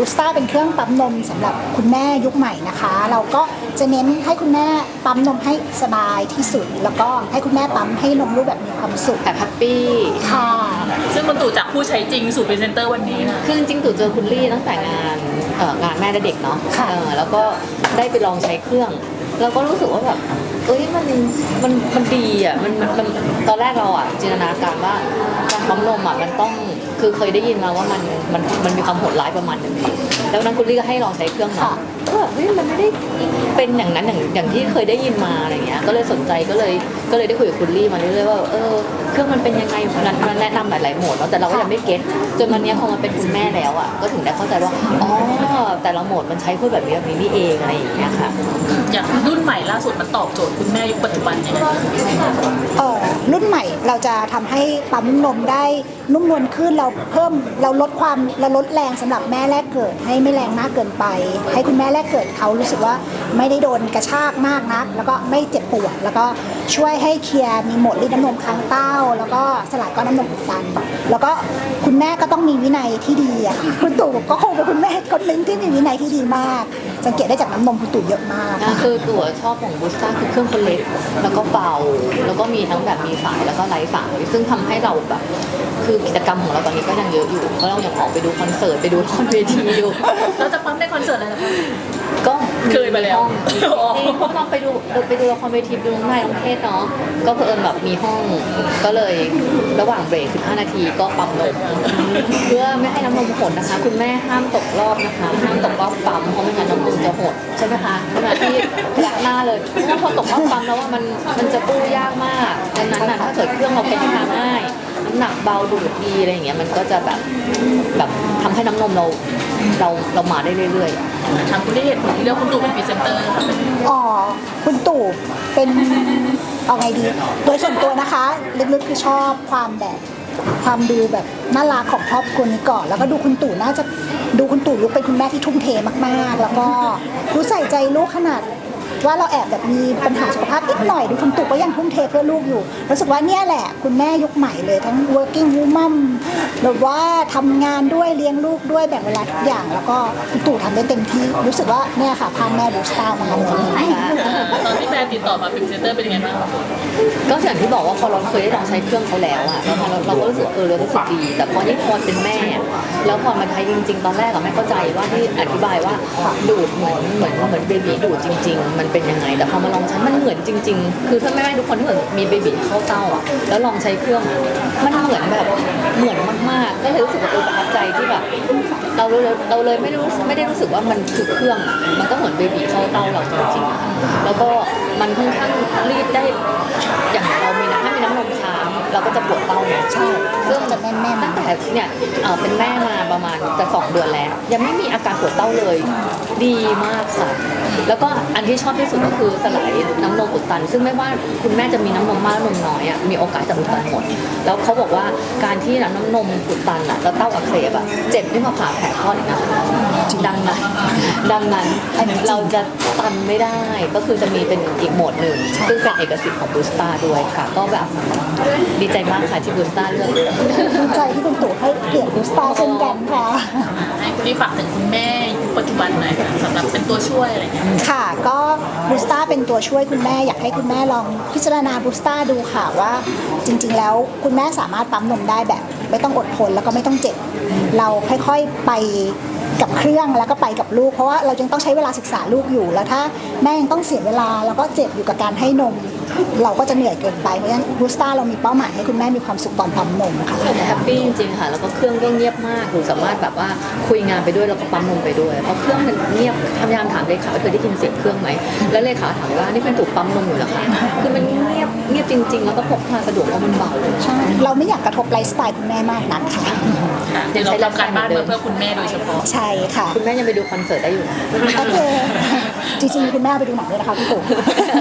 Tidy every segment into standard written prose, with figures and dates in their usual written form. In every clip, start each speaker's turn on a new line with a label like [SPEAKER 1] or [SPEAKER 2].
[SPEAKER 1] สต้าเป็นเครื่องปั๊มนมสำหรับคุณแม่ยุคใหม่นะคะเราก็จะเน้นให้คุณแม่ปั๊มนมให้สบายที่สุดแล้วก็ให้คุณแม่ปั๊มให้นมลูกแบบมีความสุข
[SPEAKER 2] แบบแฮปปี้
[SPEAKER 1] ค่ะ
[SPEAKER 3] ซึ่งคุณตู่จากผู้ใช้จริงสู่พรีเซนเตอร์วันนี้นะ
[SPEAKER 2] คือจริงๆตู่เจอคุณลี่ตั้งแต่งานแม่และเด็กเนาะแล้วก็ได้ไปลองใช้เครื่องแล้วก็รู้สึกว่าแบบมันดีอ่ะมันตอนแรกเราอ่ะจินตนาการว่าการปั๊มนมอ่ะมันต้องคือเคยได้ยินมาว่ามันมีความโหดร้ายประมาณนึงแล้วนั้นคุณลี่ก็ให้ลองใช้เครื่องมาก็แบบมันไม่ได้เป็นอย่างนั้นอย่างที่เคยได้ยินมาอะไรเงี้ยก็เลยสนใจก็เลยได้คุยกับคุณลี่มาเรื่อยๆว่าเครื่องมันเป็นยังไงมันแนะนำหลายๆโหมดเนาะแต่เราก็ยังไม่เก็ตจนวันนี้พอมาเป็นคุณแม่แล้วอ่ะก็ถึงได้เข้าใจว่าอ๋อแต่ละโหมดมันใช้เพื่อแบบนี้นี่เองอะไรอย่างเงี้ยค่ะ
[SPEAKER 3] อย่างรุ่นใหม่ล่าสุดมันตอบโจทย์คุณแม่ยุคปัจจุบันยังไง
[SPEAKER 1] รุ่นใหม่เราจะทำให้ปั๊มนมได้นุ่มนวลขึ้นเราลดแรงสำหรับแม่แรกเกิดให้ไม่แรงมากเกินไปให้คุณแม่แรกเกิดเขารู้สึกว่าไม่ได้โดนกระชากมากนักแล้วก็ไม่เจ็บปวดแล้วก็ช่วยให้เคลียร์มีโหมดรีดน้ำนมค้างเต้าแล้วก็สลายก้อนน้ำนมอุดตันแล้วก็คุณแม่ก็ต้องมีวินัยที่ดีอ่ะคุณตู่ก็คงเป็นคุณแม่คนนึงที่มีวินัยที่ดีมากสังเกตได้จากน้ำนมคุณตู่เยอะมาก
[SPEAKER 2] คือตู่ชอบของบูสต้าคือเครื่องคนเล็กแล้วก็เบาแล้วก็มีทั้งแบบมีสายแล้วก็ไร้สายซึ่งทำให้เราแบบคือกิจกรรมของเราตอนนี้ก็ยังเยอะอยู่เพราะเรายังออกไปดูคอนเสิร์ตไปดูละครเวทีอยู่
[SPEAKER 3] เราจะปั๊มในคอนเสิร์ตอะไรนะคะ
[SPEAKER 2] ก็
[SPEAKER 3] เคยไปแล้ว
[SPEAKER 2] จริงเพราะเราไปดูละครเวทีดูน้องนายน้องเทศเนาะก็เพิ่นแบบมีห้องก็เลยระหว่างเบรก15 นาทีก็ปั๊มนมเพื่อไม่ให้น้ำนมหดนะคะคุณแม่ห้ามตกรอบนะคะห้ามตกรอบปั๊มเพราะไม่งั้นน้ำนมจะหดใช่ไหมคะขณะที่ยักหน้าเลยเพราะพอตกรอบปั๊มแล้วว่ามันจะปู้ยากมากดังนั้นน่ะถ้าเกิดเครื่องเราเป็นทางง่ายน้ำหนักเบาดูดดีอะไรอย่างเงี้ยมันก็จะแบบทำให้น้ำนมเรามาได้เรื่อย
[SPEAKER 3] ๆทางคุณได้เหตุผลที่เลือกคุณตู่เป็นพรีเซนเตอร์ค่ะ
[SPEAKER 1] คุณตู่เป็นเอาไงดีโดยส่วนตัวนะคะลึกๆคือชอบความดูแบบน่ารักของครอบครัวนี้ก่อนแล้วก็ดูคุณตู่น่าจะดูคุณตู่ลุกเป็นคุณแม่ที่ทุ่มเทมากๆแล้วก็รู้ใส่ใจลูกขนาดว่าเราแอบแบบมีปัญหาสุขภาพนิดหน่อยดูคุณตู่ก็ยังทุ่มเทเพื่อลูกอยู่รู้สึกว่าเนี่ยแหละคุณแม่ยุคใหม่เลยทั้ง working woman แบบว่าทำงานด้วยเลี้ยงลูกด้วยแบ่งเวลาทุกอย่างแล้วก็คุณตู่ทำได้เต็มที่รู้สึกว่าเนี่ยค่ะพาแม่บูสต้ามาเลย
[SPEAKER 3] ตอนที่แม่ติดต่อมาเป็นพรีเซนเตอร์เป็นยังไงบ้าง
[SPEAKER 2] ก็อย่างที่บอกว่าพอเราเคยได้ลองใช้เครื่องเขาแล้วอะเราก็รู้สึกเรารู้สึกดีแต่พอยิ่งพอเป็นแม่แล้วพอมาใช้จริงๆตอนแรกอะไม่เข้าใจว่าที่อธิบายว่าดูดเหมือนเบบีดูดจริงๆมันเป็นยังไงแต่พอมาลองใช้มันเหมือนจริงๆคือถ้าแม่ทุกคนที่เหมือนมีเบบีเข้าเต้าอ่ะแล้วลองใช้เครื่องมันเหมือนแบบเหมือนมากๆก็เลยรู้สึกว่าประทับใจที่แบบเราเลยไม่ได้รู้สึกว่ามันคือเครื่องอ่ะมันก็เหมือนเบบีเข้าเต้าเราจริงๆแล้วก็มันค่อนข้างรีดได้อย่างเรามีนะถ้ามีน้ำนมค้างเราก็จะปวดเต้าเนี่ย
[SPEAKER 1] ใช่
[SPEAKER 2] ซึ่ง
[SPEAKER 1] จะแน่นๆ
[SPEAKER 2] ตั้งแต่เนี่ยเป็นแม่มาประมาณจะ2 เดือนแล้วยังไม่มีอาการปวดเต้าเลยดีมากค่ะแล้วก็อันที่ชอบที่สุดก็คือสลายน้ำนมอุดตันซึ่งไม่ว่าคุณแม่จะมีน้ำนมมากน้ำนมน้อยอ่ะมีโอกาสจะอุดตันหมดแล้วเขาบอกว่าการที่น้ำนมอุดตันอ่ะแล้วเต้าอักเสบอ่ะเจ็บยิ่งกว่าผ่าแผลคลอดอีกนะคะดังนั้นเราจะตันไม่ได้ก็คือจะมีเป็นอีกโหมดหนึ่งซึ่งเป็นเอกสิทธิ์ของบูสต้าด้วยค่ะก็แบบดีใจมากค่ะที่บูสต้าเลือก
[SPEAKER 1] ดีใจที่คุณตู่ให้เกียรติบูสต้าเช่นกันค่ะ
[SPEAKER 3] ให้คุณที่ฝากถึงคุณแม่ยุคปัจจุบันหน่อยค่ะสำหรับเป็นตัวช่วยอะไรเงี้ย
[SPEAKER 1] ค่ะก็บูสต้าเป็นตัวช่วยคุณแม่อยากให้คุณแม่ลองพิจารณาบูสต้าดูค่ะว่าจริงๆแล้วคุณแม่สามารถปั๊มนมได้แบบไม่ต้องอดทนแล้วก็ไม่ต้องเจ็บเราค่อยๆไปกับเครื่องแล้วก็ไปกับลูกเพราะว่าเรายังต้องใช้เวลาศึกษาลูกอยู่แล้วถ้าแม่ยังต้องเสียเวลาแล้วก็เจ็บอยู่กับการให้นมเราก็จะเหนื่อยเกินไปเพราะฉะนั้นบูสต้าเรามีเป้าหมายให้คุณแม่มีความสุขตอนปั๊มนมค่ะ
[SPEAKER 2] แฮปปี้จริงๆค่ะแล้วก็เครื่องก็เงียบมากหนูสามารถแบบว่าคุยงานไปด้วยแล้วก็ปั๊มนมไปด้วยเพราะเครื่องมันเงียบพยายามถามเลขาว่าเคยได้ยินเสียงเครื่องไหมแล้วเลขาถามว่านี่เป็นถูกปั๊มนมอยู่เหรอคะคือมันเงียบจริงๆแล้วก็พกพาสะดวกเพราะมันเบา
[SPEAKER 1] ใช่เราไม่อยากกระทบไลฟ์สไตล์คุณแม่มากนักค่ะ
[SPEAKER 3] เดี๋ยวเราทำการบ้านเพื่อคุณแม่โดยเฉพาะ
[SPEAKER 1] ใช่ค่ะ
[SPEAKER 2] คุณแม่ยังไปดูคอนเสิร์ตได้อยู่
[SPEAKER 1] โอเคจริงๆคุณแม่ไปดูหนังด้วยนะคะพี่ตู่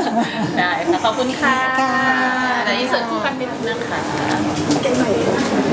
[SPEAKER 3] ได้ค่ะขอบคุณค่ะและอินเสิร์ตคู่กันนิดนึงค่ะ